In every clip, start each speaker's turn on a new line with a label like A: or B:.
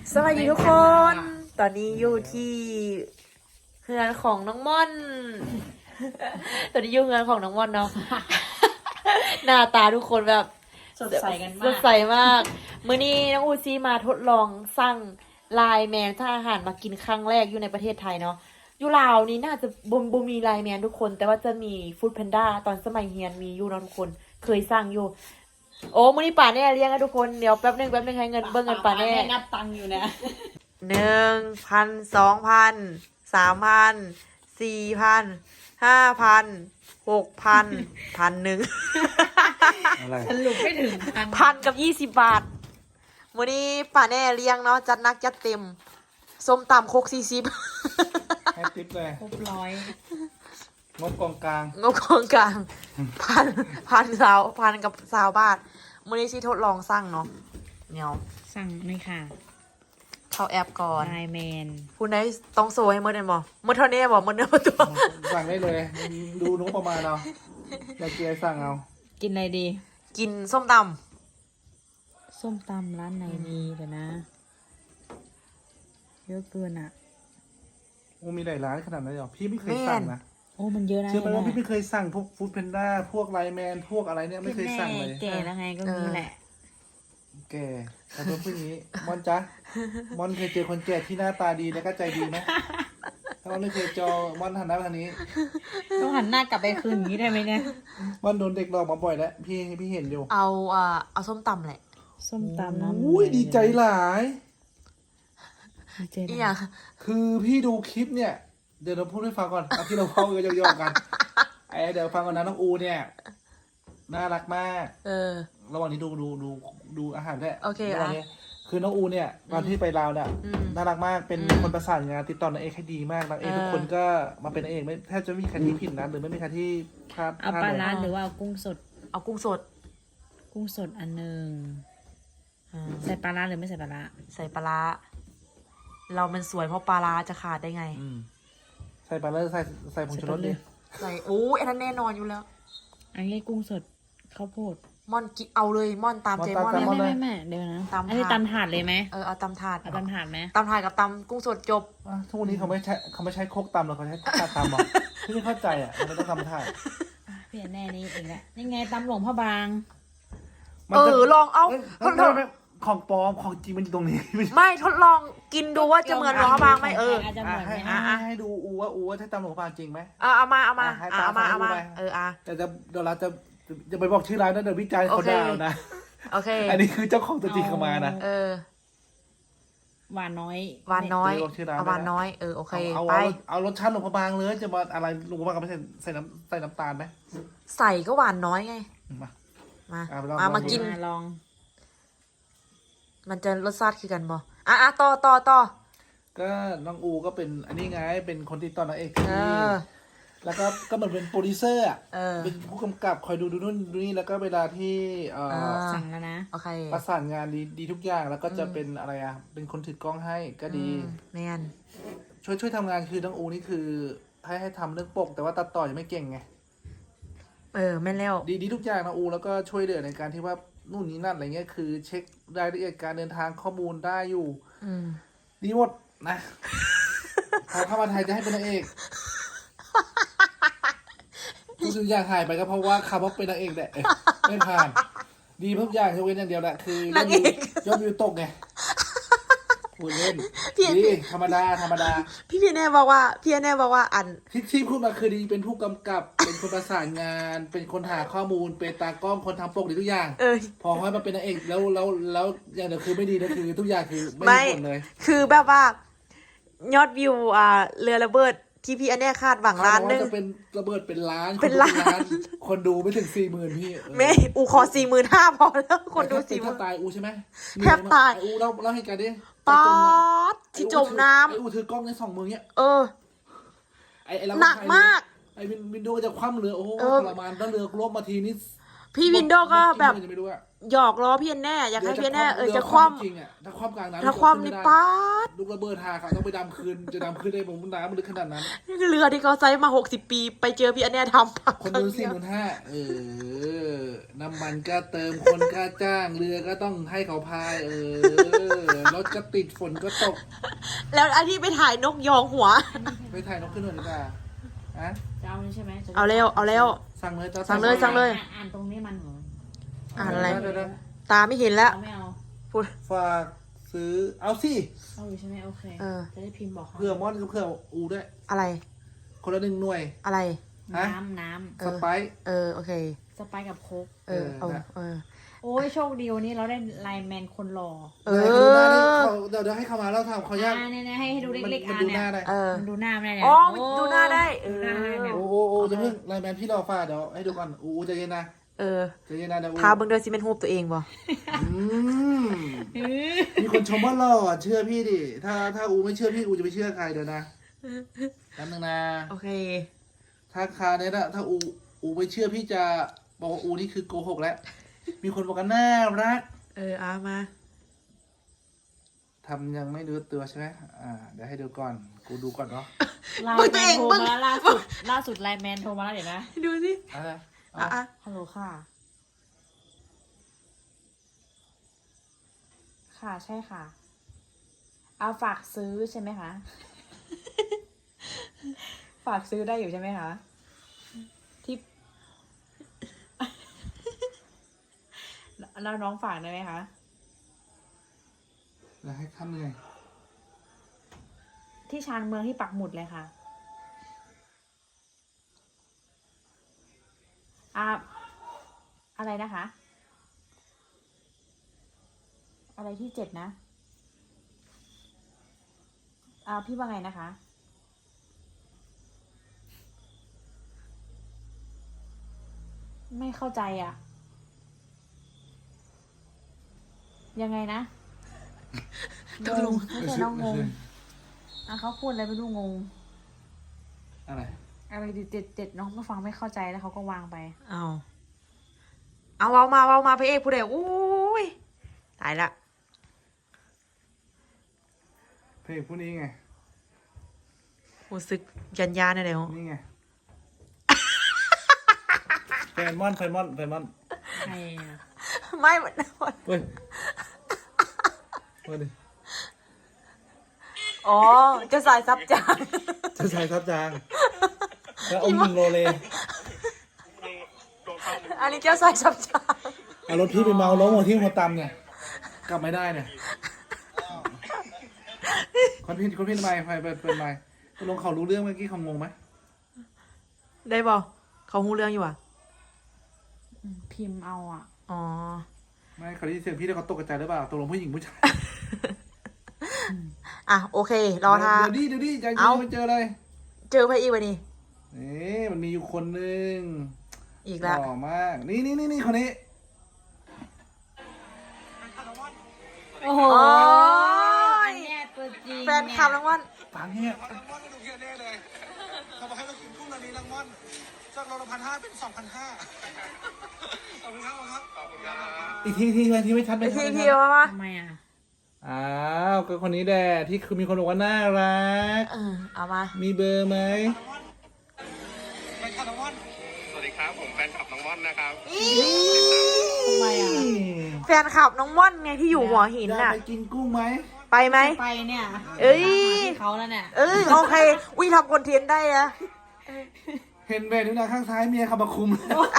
A: สวัสดีทุกคน ตอนนี้อยู่ที่เฮือนของน้องม่อน ตอนนี้อยู่เฮือนของน้องม่อนเนาะ หน้าตาทุกคนแบบ
B: สดใสกันมาก
A: สดใสมาก มื้อนี้น้องอูซี่มาทดลองสั่งไลน์แมนถ้าอาหารมากินครั้งแรกอยู่ในประเทศไทยเนาะอยู่ลาวนี่น่าจะบ่มีไลน์แมนทุกคน แต่ว่าจะมีฟู้ดแพนด้าตอนสมัยเฮียนมีอยู่เนาะทุกคน เคยสั่งอยู่ โอ้มื้อนี้ป่าแน่เลี้ยงนะทุกคน เดี๋ยวแป๊บนึงให้เงินเบิ่งเงินป่าแน่
B: นับตังค์อยู่นะ
A: 1,000 2,000 3,000 4,000 5,000 6,000 1,000
C: อะไร
B: สรุปไม่ถึง
A: พันกับ20 บาทวันนี้ป่าแน่เลี้ยงเนาะจัดหนักจัดเต็มส้มตำโคก40
C: ให้ติ๊บเลย
B: ครบร้อย
C: งบกองกลาง
A: งบกองกลางพันกับ20 บาทวันนี้ที่ทดลองสั่งเนาะเนี่ย
B: สั่งเลยค่ะ
A: เข้าแอปก่อน
B: ไลน์แมน
A: คุณได้ต้องโซให้หมดเลยบ่หมดเท่านี้บ่หมดเนื้อหมดตัว
C: สั่งได้เลย ดูงบประมาณเอาอยากกินอะไรสั่งเอา
B: กินอะไรดี
A: กินส้มต
B: ส้มตำร้านไหนดีเดี๋ยวนะ เยอะเกินอ่ะ
C: โอ้มีหลายร้านขนาดนั้นเหรอพี่ไม่เคยสั่งนะ
B: โอ้มันเยอะนะ
C: เชื่อไหมว่าพี่
B: เนี่ย
C: ไม่เคยสั่งพวกฟู้ดแพนด้าพวกไลน์แมนพวกอะไรเนี่ยไม่เคยสั่งเลย
B: แก่แล้วไงก็มีแหละ
C: แกแต่ตัวผู้นี้มอนจ๊ะมอนเคยเจอคนแก่ที่หน้าตาดีแล้วก็ใจดีไหมถ้ามันไม่เคยเจอมอนหันหน้าไปทางนี้
B: ต้องหันหน้ากลับไปคืนอย่างนี้ได้ไหมเนี่ย
C: มอนโดนเด็กหลอกมาบ่อยแล้วพี่เห็นอยู่
A: ำเอาส้มตำแหละ
B: ส้มตำน้ำ
C: อุ้ยดีใจหลาย
B: ดีใจ
A: อี
B: นะ
A: หยัง
C: คือพี่ดูคลิปเนี่ย เดี๋ยวเราพูดให้ฟังก่อนเอาที่เราเข้ากันย่อๆกันเดี๋ยวฟังก่อนนะน้องอูเนี่ยน่ารักมาก ระหว่างนี้ดูอาหารด้วย
A: โอเค
C: ระหว่างนี้คือน้องอูเนี่ยตอนที่ไปลาวเนี่ย
A: อืม
C: น่ารักมากเป็น
A: อืม
C: คนประสานงานติดต่อนางเอกให้ดีมากนางเอกทุกคนก็มาเป็นนางเอกไม่แทบจะไม่มีใครที่ผิดนะหรือไม่มีใครที่พลาด
B: เอาปลาร้าหรือว่าเอากุ้งสด
A: เอากุ้งสด
B: กุ้งสดอันหนึ่ง
A: อ่า
B: ใส่ปลาร้าหรือไม่ใส่ปลาร้า
A: ใส่ปลาร้าเรามันสวยเพราะปลาร้าจะขาดได้ไง
C: อืมใส่ปลาเลอร์ใส่ผงชูรสดิ
A: ใส่โอ้ยอันนั้นแน่นอนอยู่แล้ว
B: อันนี้กุ้งสดข้าวโพด
A: ม่อนกิเอาเลยม่อนตามเจม่อน
B: ไม่เดี๋ยวนะ
A: ตำถาด
B: อันนี้ตำถาดเลยไหม
A: เอาตำถาด
B: เอาตำถาดไหม
A: ตำถาดกับตำกุ้งสดจบ
C: อ่ะทุกวันนี้เขาไม่ใช้โคกตำหรอกเขาใช้ถาดตำหรอพี่ไม่เข้าใจอ่ะทำไมต้องทำถาด
B: อ่ะเปลี่ยนแน่นี้เองแหละนี่ไงตำหลวงพ่อบาง
A: ลองเอา
C: ไม่ของปลอมของจริงมันอยู่ตรงนี้
A: ไม่ทดลองกินดูว่าจะเหมือนหลวงพระบางไหม
B: อาจจะเหมือนไหม
C: ให้ดูอูว่าใช่ตำหลวงพางจริงไหม
A: เอามา
C: ให้
A: เอา
C: ตาม
A: มา
C: ให้ดูไป แต่เดี๋ยวเราจะไปบอกชื่อร้านนะเดี๋ยววิจารณ์เขาด่านะ
A: โอเค
C: อันนี้คือเจ้าของตัวจริงเข้ามานะ
B: หวานน้อย
A: หวานน้อย
C: เดี๋ยวบอกชื่อร้าน
A: เอาหวาน
C: ด้วยนะ
A: น้อยโอเค
C: เอา
A: ไป
C: เอารสชาติหลวงพบางเลยจะมาอะไรหลวงพบางก็ไม่ใส่น้ำตาลไหม
A: ใส่ก็หวานน้อยไง
C: มา
A: มา
C: เอาไปลอง
A: มากิน
B: ลอง
A: มันจะรสชาติคือกันบ่ต่อ
C: ก็น้องอูก็เป็นอันนี้ไงเป็นคนติดต่อนางเอกที่
A: เออ
C: แล้วก็เหมือนเป็นโปรดิวเซอร์อ่ะ
A: อ
C: เป็นผู้กำกับคอยดูนู่นดูนี่แล้วก็เวลาที่
B: สั่งแล้วนะ
A: โอเค
C: ประสานงานดีทุกอย่างแล้วก็จะเป็นอะไรอ่ะเป็นคนถือกล้องให้ก็ดี
A: แมน
C: ช่วยทำงานคือน้องอูนี่คือให้ทำเรื่องปก แต่ว่าตัดต่อยังไม่เก่งไง
A: แม่นแล้ว
C: ดีทุกอย่างน้องอูแล้วก็ช่วยเหลือในการที่ว่านู่นนี่นั่นอะไรเงี้ยคือเช็ครายละเอียดการเดินทางข้อมูลได้อยู่
A: อืม
C: ดีหมดนะ พอเข้ามาไทยจะให้เป็นนางเอกทุกสิ่งอย่างหายไปก็เพราะว่าคำว่าเป็นนางเอกแหละไม่ผ่าน ดีทุกอย่างยกเว้นอย่างเดียวแหละคือยอดวิวตกไงพูดเล่นดีธรรมดา
A: พี่แน่บอกว่าอัน
C: ที่พูดมาคือดีเป็นผู้กำกับ เป็นคนประสานงาน เป็นคนหาข้อมูลเป็นตากล้องคนทำปกดีทุกอย่าง พอให้มาเป็นนางเอกแล้วอย่างเดียวคือไม่ดีนะคือทุกอย่างคือไม่มีผลเลย
A: คือแบบว่ายอดวิวเรือระเบิดที่พี่อันเนี้ยคาดหวังล้านหนึง
C: จะเป็นระเบิดเป็นล้าน
A: เป็นล้าน
C: คนดูไม่ถึง40,000พี่
A: แม่อูขอ45,000พอแล้วคนดู
C: แทบตายอูใช่ไหม
A: แทบตาย
C: อูเล่าเหตุการณ์ดิ
A: ป๊อดที่จมน้
C: ไออูถือกล้องใน2 มือเนี้ย
A: ำ
C: ไอเรา
A: หนักมาก
C: ไอวินโดว์จะคว่ำเรือโอ้โหทรมานแล้วเรือล่มมาทีนี้
A: พี่วินโดว์ก็แบบ
C: ไม่รู้อะ
A: หยอกล้อพี่อันแน่อยากให้พี่อันแน่จะคว่
C: จริงอะถ้าคว่ำกลางน้ำ
A: ำถ้าคว่ำนี่ป๊าด
C: ลูกระเบิดหาเขาต้องไปดำคืนจะดำคืนได้ผมน้ำมันลึกขนาดนั้น
A: นี่คือเรือที่เขาใช้มา60 ปีไปเจอพี่อันแน่ทำ
C: คนดู45,000น้ำมันก็เติมคนก็จ้างเรือก็ต้องให้เขาพายรถถก็ติดฝนก็ตก
A: แล้วอันที่ไปถ่ายนกยองหัว
C: ไปถ่ายนกขึ้นหน่อยดีกว่าอะ
B: จะเอานี่ใช่ไหม
A: เอาเร็วเอาเร็ว
C: สั่งเลยจ้า
A: สั่งเลยสั่งเลย
B: อ่านตรงนี้มันเหรอ
A: อ่านอะไร
C: เดี๋ยว
A: ตาไม่เห็นแล้ว
B: เอาไม่เอา
A: พูด
C: ฝากซื้อเอาสิ
B: เอาอยู่ใช่ไหมโอเค
A: เออ
B: จะได้พิมพ์บอกเขา
C: เพื่อมอนกับเพื่ออูด้วย
A: อะไร
C: คนละ1 หน่วย
A: อะไร
C: ฮะ
B: น้
C: สไปซ์
A: โอเค
B: ำสไปซ์กับโค้ก
A: เอา
C: เออ
B: โอ้ยโชคดีวันนี้เราได้ไลน์แมนคนหล่อ
A: เอ
C: ไหนดูหน้าดิ
A: อ
C: เดี๋ยวให้เขามาแล้วทำเขายาก
B: เนี่ยให้ดู
C: มัน
B: เล็กๆ
C: มัน
B: อ่ะ
C: ดู
B: เนี่
C: หน้าย ได้
A: เออ
B: มันดูหน้าไม่ได้เนี่ย
A: อ๋อมันดูหน้าได้
B: ดูหน้าได้เนี่ย
C: โอ้โหจะเพิ่งไลน์แมนพี่รอฟ้าเดี๋ยวให้ดูก่อนอูใจเย็นนะ
A: เออ
C: ใจเย็นนะเดี๋ยวอู
A: ทาเบิ่งเดือซีเมนต์ฮูบตัวเองบ่
C: อืมมีคนชมว่าหล่อเชื่อพี่ดิถ้าอูไม่เชื่อพี่อูจะไปเชื่อใครเดี๋ยวนะแป๊บนึงนะ
A: โอเค
C: ถ้าคาเนี่ยนะถ้าอูไม่เชื่อพี่จะบอกว่าอูนี่คือโกหกแล้ว มีคนบอกกันน่ารัก
A: มา
C: ทำยังไม่รู้ตัวใช่ไหมเดี๋ยวให้ดูก่อน กูดูก่อนเนาะ
B: ไลน์แมนโทรมาล่าสุดไลน์แมนโทรมาแล้วเดี๋ยวนะ
A: ดูสิ
C: อะไร
B: ฮัลโหลค่ะ ค่ะใช่ค่ะ เอาฝากซื้อใช่ไหมคะ ฝากซื้อได้อยู่ใช่ไหมคะ ที่ แล้วน้องฝากได้ไหมคะ
C: แล้วให้ขั้นเหนื่อย
B: ที่ชานเมืองที่ปักหมุดเลยค่ะ อะไรนะคะ อะไรที่7นะ พี่ว่าไงนะคะ ไม่เข้าใจอ่ะ ยังไงนะงงไม่ใช่น้องงงเขาพูดอะไรไม่รู้งง
C: อะไร
B: อะไรเจ็ดน้องไม่ฟังไม่เข้าใจแล้วเขาก็วางไป
A: เอามาพระเอกผู้ใดอุ้ยตายละ
C: เพลงพวกนี้ไง
A: รู้สึกยันเนี่ยเดี๋ยว
C: นี่ไง แฟนมอน
B: ใครอ่ะ
A: ไม่เหมือน
C: เฮ้ยมาดิ
A: อ๋อจะสายซับจาง
C: จะใช้ทับจาง แล้วอม1 โลเล
A: อันนี้เจ้าสายซับจาง
C: เอารถพี่ไปเมาล้มหัวที่หัวตำเนี่ย กลับไม่ได้เนี่ยคนพี่ไม่เป็นไม่ตกลงเขารู้เรื่องเมื่อกี้เขางงไหม
A: ได้บ่เขาหูเรื่องอยู่อ่ะ
B: พิมพ์เอาอ่ะ
A: อ๋อ
C: ไม่เขาได้ยินเสียงพี่แล้วเขาตกใจหรือเปล่าตกลงผู้หญิงผู้ชาย
A: โอเค รอทา
C: เดี๋ยวดิใจเย็
A: เอา
C: นไม่เจอเลย
A: เจอพระอีกวันนี้
C: นี่มันมีอยู่คนหนึ่ง
A: อีก
C: ห
A: แล้ว
C: ล่อมาก นี่คนนี้
B: โอ้โห
A: โอ้ย
B: อันเนี้ยตัวจริง
A: แฟนคลับรางวัล
C: ฟังเนี่ย
D: รางวัลไม่ดูเกียร์แน่เลยเขาบอกให้เรากินกุ้งนาลีรางวัลจากโลละ1,500เป็น2,500ขอบคุณครับขอบคุณครับ
C: อีกทีไม่ชัด
A: ไป
C: ไม่ชัด
A: ทีมา
B: ทำไมอ่ะ
C: อ้าวก็คนนี้แหละที่คือมีคนบอกว่าน่ารัก
A: เอามา
C: มีเบอร์ไหม
D: ไปค่ะรางวัล
E: สวัสดีครับ ผมแฟนคลับน้องม่อนนะครับ
B: ทำไมอ่ะ
A: แฟนคลับน้องม่อนไงที่อยู่หัวหิน
C: อยาก
A: น่ะ
C: ไปกินกุ้งไหม
A: ไปไหม
B: ไปเนี่ย
A: เอ้ย
B: ที่เขาแล้วเนี่ย
A: โอเคอุ้ยทำคอนเทนต์ได้อะ
C: เห็นแบนนิ้วนางข้างซ้ายเมียเขามาคุม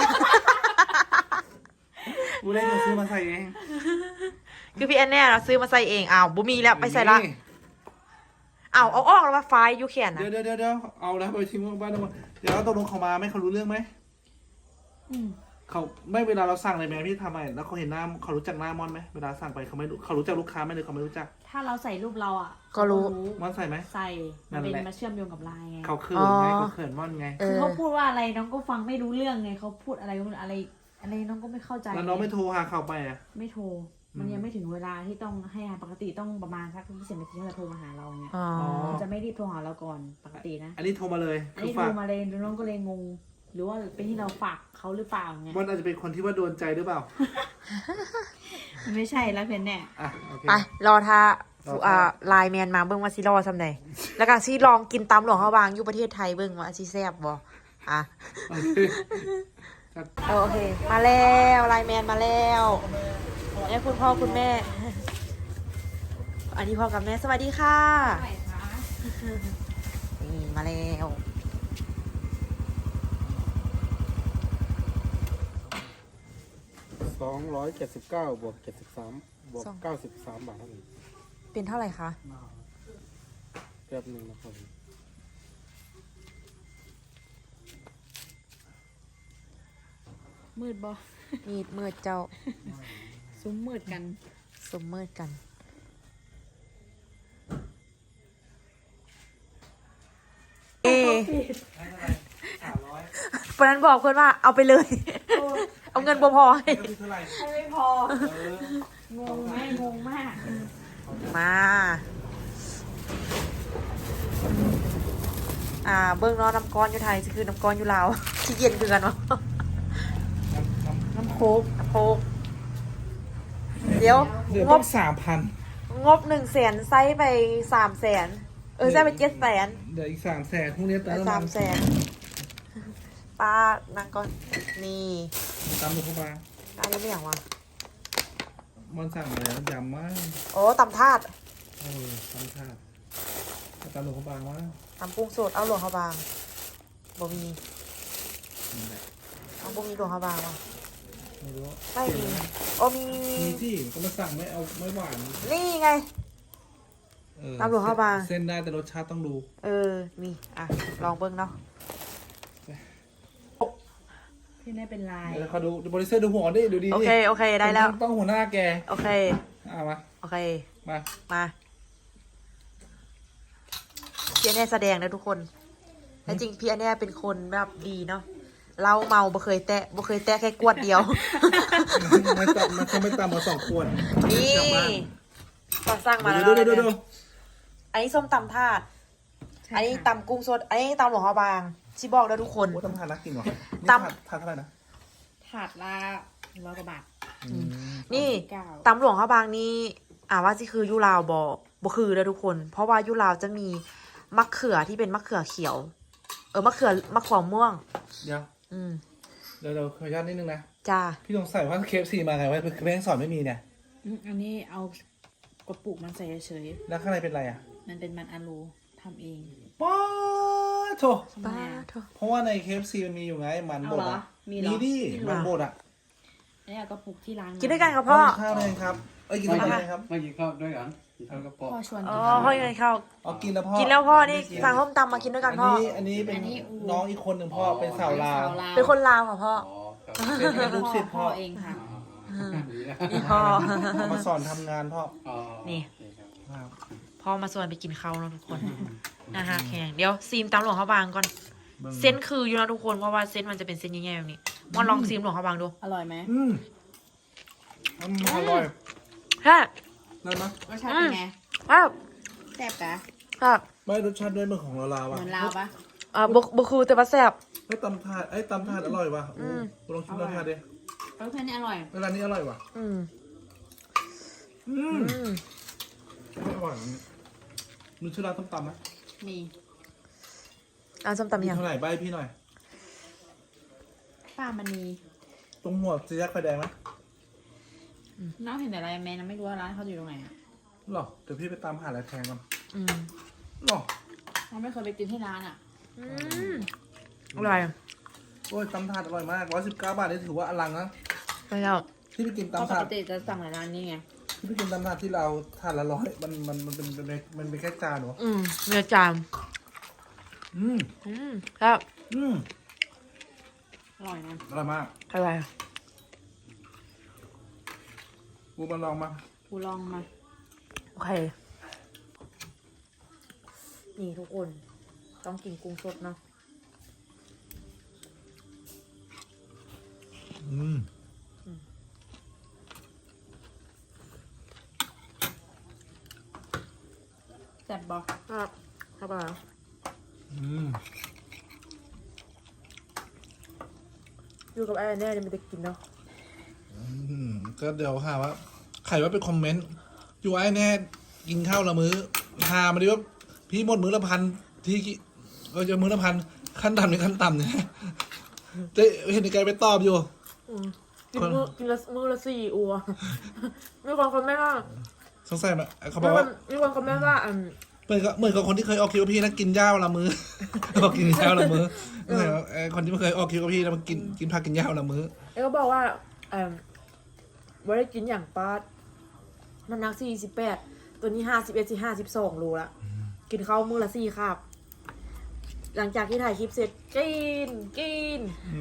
C: กูได้จะซื้อมาใส่เอง
A: คือพี่แอนแน่เราซื้อมาใส่เองอ้าวบุมีแล้วไปใส่ละเอาออกแล้วมาไฟยูแคนนะ
C: เดี๋ยวเอาแล้วไปทิ้งบ้านแล้วเดี๋ยวตกลงเขามาไหมเขารู้เรื่องไหม
B: อืม
C: เขาไม่เวลาเราสั่งอะไรแม่พี่ทำไมแล้วเขาเห็นหน้าเขารู้จักหน้ามอนไหมเวลาสั่งไปเขาไม่รู้เขารู้จักลูกค้าไหมหรือเขาไม่รู้จัก
B: ถ้าเราใส่รูปเราอ่ะ
A: ก็รู้
C: มอนใส่ไหม
B: ใส่มันเป็น
C: นั่นแหละ
B: มาเชื่อมโยงกับไลน์ไง
C: เขาเขินไงเขาเขินมอนไง
B: คือเขาพูดว่าอะไรน้องก็ฟังไม่รู้เรื่องไงเขาพูดอะไรอะไรน้องก็ไม่เข้าใจ
C: แล้วน้องไม่โทรหาเขาไปอ่ะ
B: ไม่โทร มันยังไม่ถึงเวลาที่ต้องให้ปกติต้องประมาณสัก20 นาทีที่จะโทรมาหาเราเนี่ย
A: อ๋อ
B: มันจะไม่รีบโทรหาเราก่อนปกตินะ
C: อันนี้โทรมาเลย
B: อัน
C: คือ
B: นี้โท
C: ฝาก
B: รมาเลยน้องก็เลยงง หรือว่าเป็นที่เราฝากเขาหรือเปล่าไง
C: มอนอาจจะเป็นคนที่ว่าโดนใจหรือเปล่า
B: ไม่ใช่แล้วเพนแน่
C: อ่ะโอเค
A: ไปรอท่าร
C: อท่า
A: ไลน์แมนมาเบิ่งว่าซิรอซำใดแล้วก็ซิลองกินตำหลวงเขาวางอยู่ประเทศไทยเบิ่งว่าซิแซ่บบ่อ่ะ
C: โอเคจัด
A: โอเค มาแล้วไลน์แมนมาแล้วนี่คุณพ่อคุณแม่ ออันนี้พ่อกับแม่สวัสดีค่ะ
B: ไหนคะ
A: นี่มาแล้ว
F: 279บวก73บวก93 บาทครับผม
A: เป็นเท่าไหร่คะ
F: แป๊บหนึงนะครับผม
B: มืดบ่
A: มีดมืดเจ้า
B: ซุ้มมืดกัน
A: สมมืดกัน เอเพราะนั้นบอกเพื่อนว่าเอาไปเลย เอาเงินบ่พอให้
C: ก็คือเท่าไหร่
B: ไม่พอ งงไหมงงมาก
A: มา เบิ้งเนาะน้ำก้อนอยู่ไทยจะคือน้ำก้อนอยู่ลาว ที่เย็นคือกันวะ
B: น้ำโคก
A: น้ำโพกเดี๋ยว
C: เดี๋ยว
A: ง
C: ต้อบ ง3,000
A: งบ100,000ไซส์ไป300,000ไซส์ไป700,000
C: เดี๋ยวอีก300,000พรุ่งนี้
A: ไป
C: เติม
A: 300,000ป้านางก่อนนี่
C: ตามหนูเข้ามา
A: อันนี้ไม่อย่างวะ
C: มันสั่งอะไรนะยำมาก
A: โอ้ตำถาด
C: ตามชาติตามหนูเข้ามาว่า
A: ตำปรุงสดเอาหลวงเขาบางบ่มี
C: นี่แหละ
A: เอาบ่มีหลวงเขาบางวะ
C: ไม่รู้
A: ไม่มีโอ้มี
C: มีที่ก็มาสั่งไม่เอาไม่หวาน
A: นี่ไง
C: เออ
A: ตามหลวงเข้ามา
C: เส้นได้แต่รสชาติต้องดู
A: นี่อ่ะลองเบิ้งเนาะ
B: ที่ได้เป็นลาย
C: เดี๋ยวเขาดูบริเซอร์ดูหัวดิดูดี
A: โอเคได้แล้ว
C: ต้องหัวหน้าแก
A: โอเค
C: มา
A: โอเค
C: มา
A: มาพี่อันเน่แสดงนะทุกคนแต่จริงพี่อันเน่เป็นคนแบบดีเนาะเราเมาบ่เคยแตะแค่กวดเดียว
C: ไม่ต่ำมันคงไม่ต่ำกว่า2 ขวด
A: นี่
C: กลับบ้าน
A: ก็สั่งมาแล้ว
C: ดู
A: อันนี้ส้มตำถาด อันนี้ตำกุ้งสด อันนี้ตำหลวงพระบางชิบอกแล้วทุกคน
C: โอ้ตำทานรักจริงเหรอ
A: ตำ
C: นี่ทานเท่าไหร่นะ
B: ถาดละ100 กว่าบาท
A: นี่
B: 39
A: ตำหลวงพระบางนี่ว่าสิคือยุลาวบ่คือเลยทุกคน เพราะว่ายุลาวจะมีมะเขือที่เป็นมะเขือเขียว มะเขือม่วง
C: เดี๋ยว
A: อืม
C: เดี๋ยวขออนุญาตนิดนึงนะ
A: จ้า
C: พี่สงสัยว่าเคฟซีมาไงวะแม่งสอนไม่มีเนี่ย
B: อันนี้เอากระปุกมันใส่เฉย
C: แล้วข้างในเป็นอะไรอ่ะ
B: ๆมันเป็นมันอะลูทำเอง
C: ป้าโถ
B: ทำไม
A: ป้า
B: อะ
A: เถอะ
C: เพราะว่าในเคฟซีมันมีอยู่ไงมันบดอ่ะ
B: เอาเหรอมีเหรอ
C: ดิ มันบดอ่ะ
B: อันนี้เอากระปุกที่ร้าน
A: กินด้วยกันกับพ่อ
C: กินข้าวเลยครับ กินด้วยกันเลยครับ
F: ไม่กินข้าวด้วยกันกินข้าวกระป๋อง
B: พ่อชวน
A: อ๋
B: กิ
A: อน พ่อยังไงข้าว
C: กินแล้วพ่อ
A: กินแล้วพ่อนี่สั่งส้มตำมากินด้วยกันพ่อ
C: อันนี้เป็น
B: อันนี้อู
C: น้องอีกคนหนึ่งพ่อเป็นสาวลาว
A: เป็นคนลาวค่ะพ่อ
F: อ๋อครับ
C: เป็นลูกศิษย์
B: พ่
C: พ่
B: อ
C: อ
B: เองค่ะ
F: ดีนะ
A: นี่พ่อ
C: เอามาสอนทำงานพ่อ
F: อ๋อ
A: นี่
F: โอเคครับ
C: ครับ
A: พ่อมาชวนไปกินข้าวเนาะทุกคนนะคะแข่งเดี๋ยวซีมตำหลวงเขาบางก่อน เส้นคืออยู่นะทุกคนเพราะว่าเส้นมันจะเป็นเส้นใหญ่ๆแบบนี้มาลองซีมหลวงเขาบางดู
B: อร่อยไหม
C: อร่อย
A: ฮะ
C: ได้ไหม
B: รสชาติเป็นไง
A: ครับ
B: แซ่บกะ
A: ครับ
C: ไม่รสชาติด้วยเหมือนของเรา
B: เห
C: อ่ะ
B: มือนลาวปะ
A: บุคือแต่ว่าแซ่บ
C: ไอ้ตำถาดตำถาดอร่อยว่ะลองชิมตำถาดดิ
B: รสชาตินี่อร่อย
C: ร้านนี้อร่อยว่ะ
A: อืม
C: ไม่อร่อยมีชื่อร้านต้มตำไหม
B: มี
A: ส้มตำยัง
C: เท่าไหร่ใบพี่หน่อย
B: ป้ามันมี
C: ตรงหัวสีแยกไฟแดงไหม
B: น้องเห็นแต่อะไรแม่น้องไม่รู้ว่าร้านเขาอยู่ตรงไหนอ่ะ
C: หรอเดี๋ยวพี่ไปตามหาอะไรแทงก่อน
A: อืม
C: หรอ
B: น้องไม่เคยไปกินที่ร้านอ่ะ
A: อร่อย
C: โอ้ยตำถาดอร่อยมาก119 บาทนี่ถือว่าอลังนะ
A: ไปแล้ว
C: ที่ไปกิน
B: เพราะ
C: ตำ
B: ป
C: ถาก ด
B: ติจะสั่งในร้านนี้ไง
C: ที่ไปกินตำถาดที่เราถาดละ100มันเป็นแค่จานเหรอ
A: เนื้อจาม ครับ
B: อร่อยนะ
C: อร่อยมาก
A: อร่อย
C: กูมาลองมา
B: กูลองมา
A: โอเค นี่ทุกคน ต้องกินกุ้งสดเนาะ
B: แซ่บบอก
A: ครับครับผมอยู่กับไอ้แน่จะไม่ได้กินเนาะ
C: ก็เดี๋ยวหาว่าใครว่าเป็นคอมเมนต์อยู่ไอ้แน่กินข้าวละมื้อหามาดิว่าพี่หมดมื้อละพันที่ก็จะมื้อละพันขั้นต่ำในขั้นต่ำเนี่ยจะเห็นในไกลไปตอบอยู่
A: กินมือละ4 อัว ไม่ความคนแม่ก็
C: สงสัยมั้ยเขาบอกว่า
A: มีคนคอมเมนต์ว่า
C: เหมือนกับคนที่เคยออกคิวกับพี่นะกินหญ้าวันละมื้อ บอกกินหญ้าวันละมื้อคนที่ไม่เคยออกคิวกับพี่แล้วมันกินผักกินหญ้าวันละมื้อ
A: แล้วก็บอกว่าว่าได้กินอย่างป้ามันนัก48ตัวนี้51-52โลละกินข้าวมื้อละ4คาบหลังจากที่ถ่ายคลิปเสร็จกิน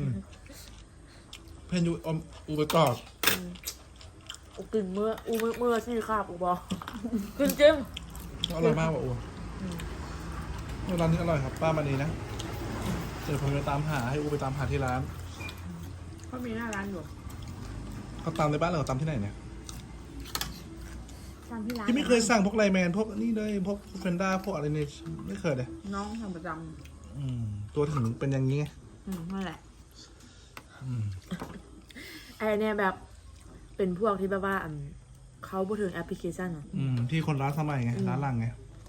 C: เพนยูอูไปต่อ
A: อูกินมื้อละ4คาบอูบอกกินจริง
C: อร่อยมากว่ะอูร้านนี้อร่อยครับป้ามานีนะเดี๋ยวผมไปตามหาให้อูไปตามหาที่ร้าน
B: เขามีหน้าร้านอยู่
C: เขาตามในบ้านหรือเขาตามที่ไหนเนี่ย
B: ตามที่ร้าน
C: พี่ไม่เคยสั่งพวกไลน์แมนพวกนี่เลยพวกเฟนด้าพวกอะไรเนี่ยไม่เคยเลย
B: น้องทำประจ
C: ตัวถึงเป็นอย่างนี้ไง
B: ำนั่นแหละ
A: ไอเนี่ยแบบเป็นพวกที่แบบว่าเขาพูดถึงแอปพลิเคชันอะ
C: ที่คนร้านสมัยไงร้านหลังไง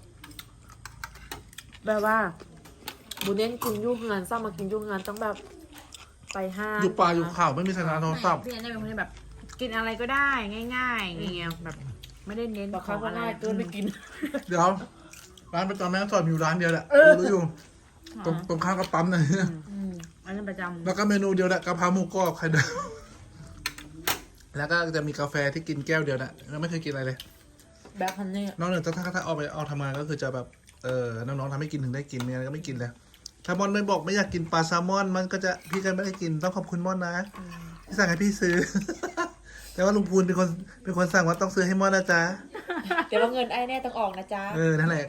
A: แบบว่าบุเน้นกินยุ่งงานสร้างมากินยุ่งงานต้องแบบไปห้าง
C: อยู่ป่าอยู่เขาไม่มีสัญญาณโทรศัพท์
B: พี่แอนเป็นคนที่แบบ กินอะไรก็ได้ง่ายๆอย่างเงี้ยแบบ ไม่ได้เน้น
A: บอก
B: ข
A: เขา
B: อง
A: ก็
B: อะไร
A: ง่ายเกินไม่กิน
C: เดี๋ยวร้านประจำแม่สอดมีอยู่ร้านเดียวแหละรู้อยู่ตรงข้ามกับปั๊มนะ
B: อันนั้นประจำ
C: แล้วก็เมนูเดียวแหละกะเพราหมูกรอบไข่ดาวแล้วก็จะมีกาแฟที่กินแก้วเดียวนะแล้วไม่เคยกินอะไรเลย
A: แบบพันเนี่ย
C: นอกจากถ้าออกทำงานก็คือจะแบบน้องๆทำให้กินถึงได้กินเมียก็ไม่กินเลยถ้ามอนไม่บอกไม่อยากกินปลาแซลมอนมันก็จะพี่ก็ไม่ได้กินต้องขอบคุณมอนนะที่สั่งให้พี่ซื้อ แต่ว่าลุงพูนเป็นคนสั่งว่าต้องซื้อให้มอนนะจ๊ะ
A: เดี๋ยวว่าเงินไอ้แน่ต้องออกนะจ๊ะ
C: นั่นแหละ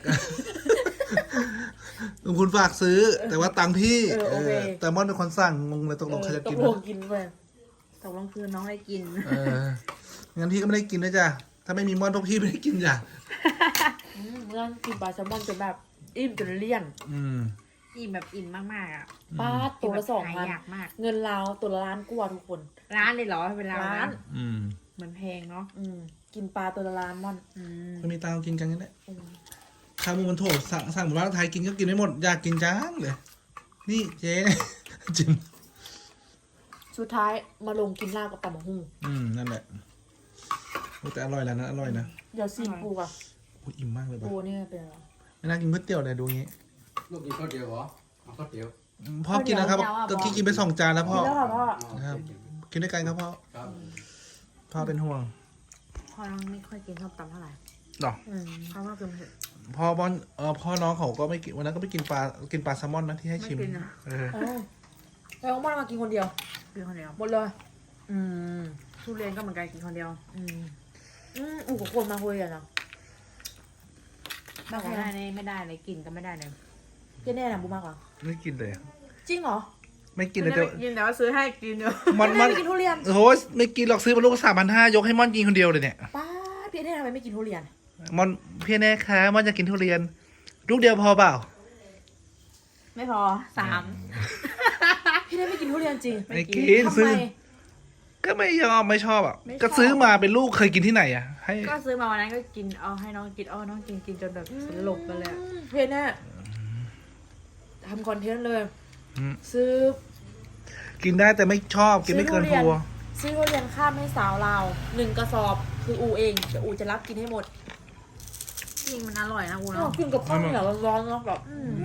C: ลุงพูนฝากซื้อ แต่ว่าตังค์พี่
A: โอเค
C: แต่มอนเป็นคนสั่งงงเลยตกลงใครจะ
A: ต้อ
C: กิน
A: งลงกินไป
B: ตกลงคือน้องได้กิน
C: งั้นพี่ก็ไม่ได้กินนะจ๊ะถ้าไม่มีมอนพวกพี่ไม่ได้กินจ้ะ
A: เมื่อกินปลาแซลมอนจนแบบอิ่มจนเลี่ยน
B: อิ่มแบบอิ่มมากๆอ่ะ
A: ป้าตัวละ
B: หา
A: 2,000
B: ยากมาก
A: เงินเราตัวละล้านกว่าทุกคน
B: ร้านเลยเหรอเวลา
A: ร้าน
B: เหมือนแพงเนาะ
A: กินปลาตัวละล้านมอน
C: ไม่มีตังค์กินกันนี่แหละข้าวมูมันโถสั่งหมู่บ้านไทยกินก็กินไม่หมดอยากกินจังเลย นี่เจ๊ จิม
A: สุดท้ายมาลงกินลาบกับตำบักหุ่ง
C: นั่นแหละโอ้แต่อร่อยแล้วนะอร่อยนะ
A: เดี๋ยวซีนปูอ่ะ
C: โอ้ยอิ่มมากเลยป่ะ
A: ปูนี่เป็นอะไร
C: ไม่น่ากินก๋วยเตี๋ยวเลยดูงี้
F: ลูกกินข้าวเดียวเหรอเอาข้าวเดียว
C: พ่อกินนะครับก็กินไป2 จานแล้วพ่อ
A: กินแล้วค่ะพ่อ
C: ครับกินด้วยกันครับพ่อ
F: ครับ
C: พ่อเป็นห่วง
B: พอน้องไม่ค่อยกินข้าวตำเท่าไหร่
C: หรอ
B: เพราะว่าคือเผ็ด
C: พ่อบอลพ่อน้องเขาก็ไม่กินวันนั้นก็ไปกินปลาแซลมอนนะที่ให้ชิม
B: ไม่กินอะ
A: แล้วมอนมากินคนเดียว
B: กินคนเดียว
A: หมดเลย
B: ทุเรียนก็เหมือนกันกินคนเดียว
A: อูกับคนมาคุยกันนะ
B: บางคนไม่ได้เลยกินก็ไม่ได้เลย
A: เจ๊แน่นะบูมากกว่า
C: ไม่กินเลย
A: จริงเหรอ
C: ไม่กินเลย
B: ไม่
C: แต่
B: ได้กินแต่ว่าซื้อให้กินเดียว
C: มัน
A: แน่ไม่กินทุเรียน
C: โอ้โหไม่กินหรอกซื้อมาลูก3,500ยกให้ม่อนกินคนเดียวเลยเนี่ย
A: ป้าพี่แน่ทำไมไม่กินทุเรียน
C: ม่อนพี่แน่คะม่อนจะกินทุเรียน ลูกเดียวพอเปล่า
B: ไม่พอ3
A: พี่แน่ไม่กินทุเรียนจริง
C: ไม่กิน
A: ทำ
C: ซื้อ
A: ไม
C: ก็ไม่ยอมไม่ชอบอ่ะ
B: ไม่ชอบ
C: ก็ซื้อมาเป็นลูกเคยกินที่ไหนอ่ะ ให้
B: ก็ซื้อมาวันนั้นก็กินเอาให้น้องกินน้องกินจนแบบสลบไปเลยอะ
A: พี่แน่ทำคอนเทนต์เลย ซื้อ
C: กินได้แต่ไม่ชอบกินไม่เกินพอ
A: ซื้อทุเรียนข้ามให้สาวเรา1 กระสอบ คืออูเองเดี๋ยวอูจะรับกินให้หมด
B: จริงมันอร่อยนะกู
A: อ้า
B: เนาะ
A: วกินกับข้าวเหนียวร้อนๆเนาะแบบ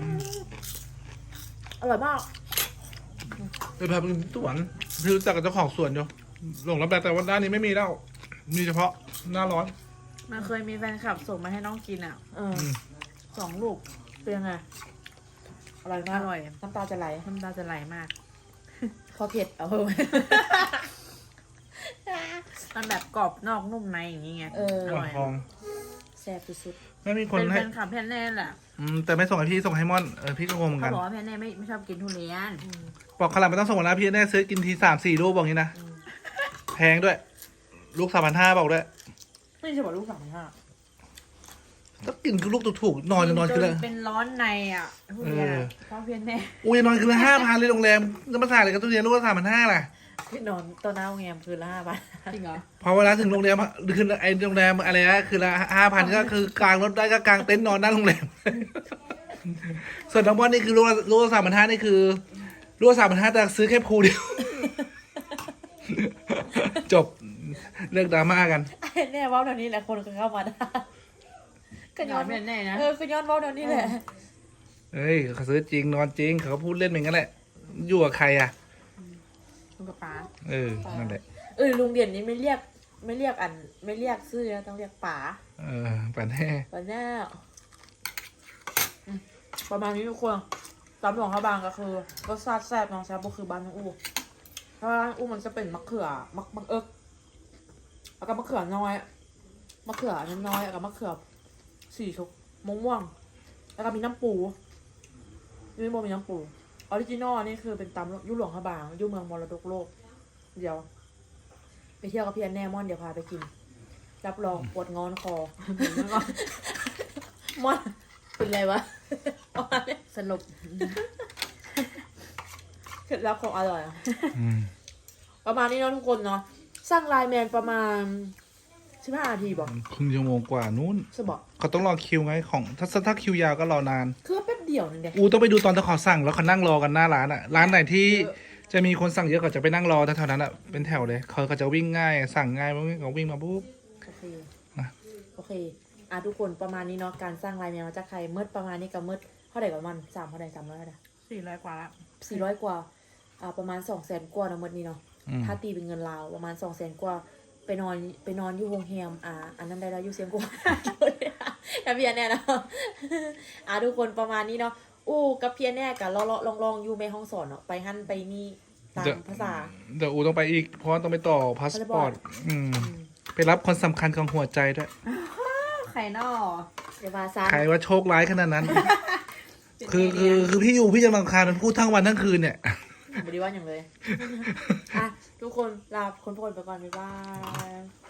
A: อร่อยมาก
C: ไปพาไปกินสวนคือรู้จักกับเจ้าของสวนอยู่หลงรับแต่ว่าด้านนี้ไม่มีแล้ว มีเฉพาะหน้าร้อน
B: มันเคยมีแฟนคลับส่งมาให้น้องกินอ่ะ
A: 2 ลูกเป็นยังไงอร่อยมาก
B: อร่อย
A: น้ำตาจะไหล
B: น้ำตาจะไหลมาก
A: พอเผ็ดเอาเพิ่ม
B: มันแบบกรอบนอกนุ่มในอย่างนี้ไง
A: เออ
B: อร่อย
C: ทอง
A: แซ่บสุด
C: ไม่มีคน
B: เป็นแฟ
C: ให้
B: นคลับแพนเน่แหละ
C: แต่ไม่ส่งให้พี่ส่งให้ม่อนพี่ก็งงเหมือน
B: เขา
C: กัน
B: บอกว่าแพนเน่ไม่ชอบกินทุเรียน
C: บอกขนาดไม่ต้องส่งมาแล้วพี่แน่ซื้อกินที3-4 ลูกบอกงี้นะแพงด้วย ลูก3,500บอกด้วย
A: ๆนี่จะบอกลูก3,500
C: ก็กินคือลูกถูกๆนอนคือละ
B: เป็นร้อนในอ่ะทุเรียนอะเพราะแพนเน่
C: อุ้ยนอนคือละ5,000เลยโรงแรมจะมาใส่อะไรกับตู้เรียนลูกละ3,500ล่ะ
A: พี่นอนตอนหน้าโรงแรมคืนละ5 บาท
B: จริงเหรอ
C: พอเวลาถึงโรงแรมคือไอ้โรงแรมอะไรนะคือละ5,000ก็คือกางรถได้ก็กางเต็นท์นอนหน้าโรงแรม ส่วนน้องบอลนี่คือลูกละ3,500นี่คือลูกละ3,500แต่ซื้อแค่ภูเดียว จบเลิกดราม่ากัน
A: ไอ้แน่เว้าเดี๋ยวนี้แหละคนก็เข้ามาได้ก็ย้อน
B: แม่แน่นะ
A: ก็ย้อนเว้าเดี๋ยวนี้แหละ
C: เฮ้ยเขาซื้อจริงนอนจริงเขาก็พูดเล่นเหมือนกันแหละ อยู่กับใครอ่ะ
B: ลุงกับป๋า
C: นั่นแหละ
A: ลุงเด่นนี่ไม่เรียกไม่เรียกชื่อนะต้องเรียกป๋า
C: ป่านแน่
A: ป๋าแน่ประมาณนี้ทุกคนตำหลวงข้าวบางก็คือรสชาติแซ่บน้องแซ่บก็คือบ้านน้องอู้เพราะว่าบ้านอู้มันจะเป็นมะเขือมะเอิกแล้วก็มะเขือน้อยมะเขือน้อยๆแล้วก็มะเขือสีชมม่วงๆแล้วก็มีน้ำปูนี่โมมีน้ำปูออริจินอลนี่คือเป็นตำยุหลวงข้าวบางยุเมืองมรดกโลกเดี๋ยวไปเที่ยวกับพี่อันแน่มอนเดี๋ยวพาไปกินรับรองปวดงอนคอ มอนเป็นไรวะ
B: สลบ
A: เคล็ดลับของอร่อยอะประมาณนี้เนาะทุกคนเนาะสร้างไลน์แมนประมาณ15 นาทีบอก
C: ครึ่งชั่วโมงกว่านู้น
A: สบอก
C: เขาต้องรอคิวไงของถ้าคิวยาวก็รอนาน
A: คือแป๊บเดียวนึงเด็ก
C: อูต้องไปดูตอนที่เขาสั่งแล้วเขานั่งรอกันหน้าร้านอ่ะ ร้านไหนที่จะมีคนสั่งเยอะเขาจะไปนั่งรอแถวๆนั้นอ่ะเป็นแถวเลยเขาจะวิ่งง่ายสั่งง่ายเขาวิ่งมาปุ๊บ
A: โอเค
C: นะ
A: โอเคทุกคนประมาณนี้เนาะการสร้างไลน์แมนมาจากใครเมื่อประมาณนี้กับเมื่อเท่าไหร่กับมัน3เท่าไหร่300เท่าไหร่
B: 400 กว่าละ
A: 400 กว่าประมาณ200,000 กว่านะเมื่อนี้เนาะ ถ้าตีเป็นเงินลาวประมาณ200,000 กว่าไปนอนอยู่โรงแรมอันนั้นได้แล้วอยู่เสียงกว่า กับเพียนแน่เนาะ ทุกคนประมาณนี้เนาะกับเพียนแน่กับลองอยู่ในห้องสอนเนาะไปหั่นไปนี่ตามภาษา
C: เดี๋ยวอูต้องไปอีกเพราะว่าต้องไปต่อพาสปอร์ตไปรับคนสำคัญของหัวใจด้วย
B: ไข่นอ
A: เดี๋ยวมาซะ
C: ใครว่าโชคร้ายขนาดนั้น คือพี่อยู่พี่จะรำคาญมันพูดทั้งวันทั้งคืนเนี่ย
A: ไม่ได้ว่าอย่างเลย ทุกคนลาคนไปก่อนบ๊ายบาย